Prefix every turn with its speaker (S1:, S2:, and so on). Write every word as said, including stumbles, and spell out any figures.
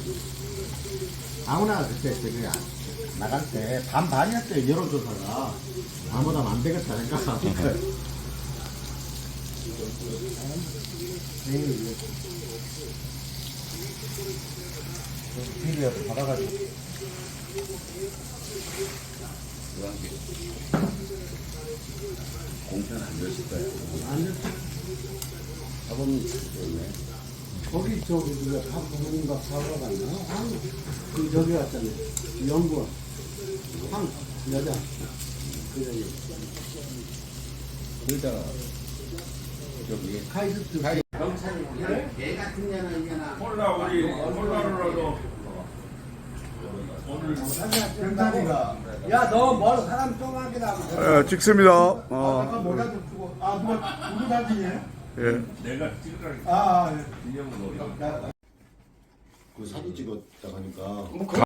S1: 아무나 그때 저기 나갈 때 반반이었어요. 여론조사가. 아무나 안 되겠다 생각. 비리라도 받아가지고.
S2: 공천 안 됐을 거예요.
S1: 안 됐어.
S2: 사범님 좋네.
S3: 거기 저기 누가 누군가 사러 갔나? 황, 그 저기 갔잖아요. 연구원. 황, 여자. 그 여자.
S2: 그러다가 저기
S3: 카이스트.
S1: 경찰이 그냥 개 같은 년은 이게나.
S4: 콜라 우리 콜라로라도 오늘
S3: 병단이가. 야, 너 뭘 사람 똥하게 나고.
S5: 예, 찍습니다.
S3: 아까
S5: 어,
S3: 모자 좀 주고. 아, 누가, 누구 사진이에요?
S5: 예.
S4: 내가 찍으라
S3: 아, 아, 예.
S4: 기념으로
S3: 야,
S2: 그 사진 찍었다 하니까